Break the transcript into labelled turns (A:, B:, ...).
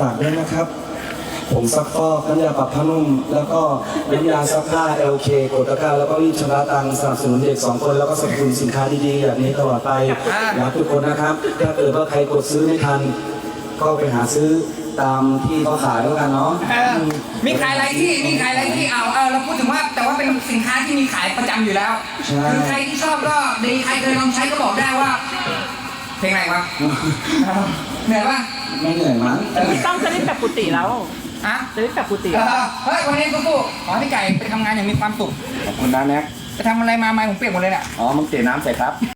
A: ฝากด้วยนะครับผงซักฟอกน้ำยาปรับผ้านุ่มแล้วก็น้ำยาซักผ้า LK กดตะกร้าแล้วก็รีบชำระตังค์สนับสนุนเด็ก2 คนแล้วก็สนับสนุนสินค้าดีๆแบบนี้ตลอดไปอยากทุกคนนะครับถ้าเกิดว่าใครกดซื้อไม่ทันก็ไปหาซื้อตามที่เขาขายแล้วกันเนาะ
B: มีขายอะไรที่เอาเราพูดถึงว่าแต่ว่าเป็นสินค้าที่มีขายประจำอยู่แล้วคือใครที่ชอบก็ดีใครเคยลองใช้ก็บอกได้ว่าเพลงอะไรวะเหนื่อยปะ
A: ไม่เหนื่อยมั้ง
C: พี่ต้องจะได้แบบกุฏิแล้ว
B: อะ
C: จะได้แบบกุฏิ
B: เฮ้ยวันนี้สู้ๆขอให้พี่ไก่ไปทำงานอย่างมีความสุข
D: ขอบคุณนะแน็ก
B: ไปทำอะไรมาไม้ผมเปียกหมดเลยเนี่ย
D: อ๋อมึงเตะน้ำใส่ครับ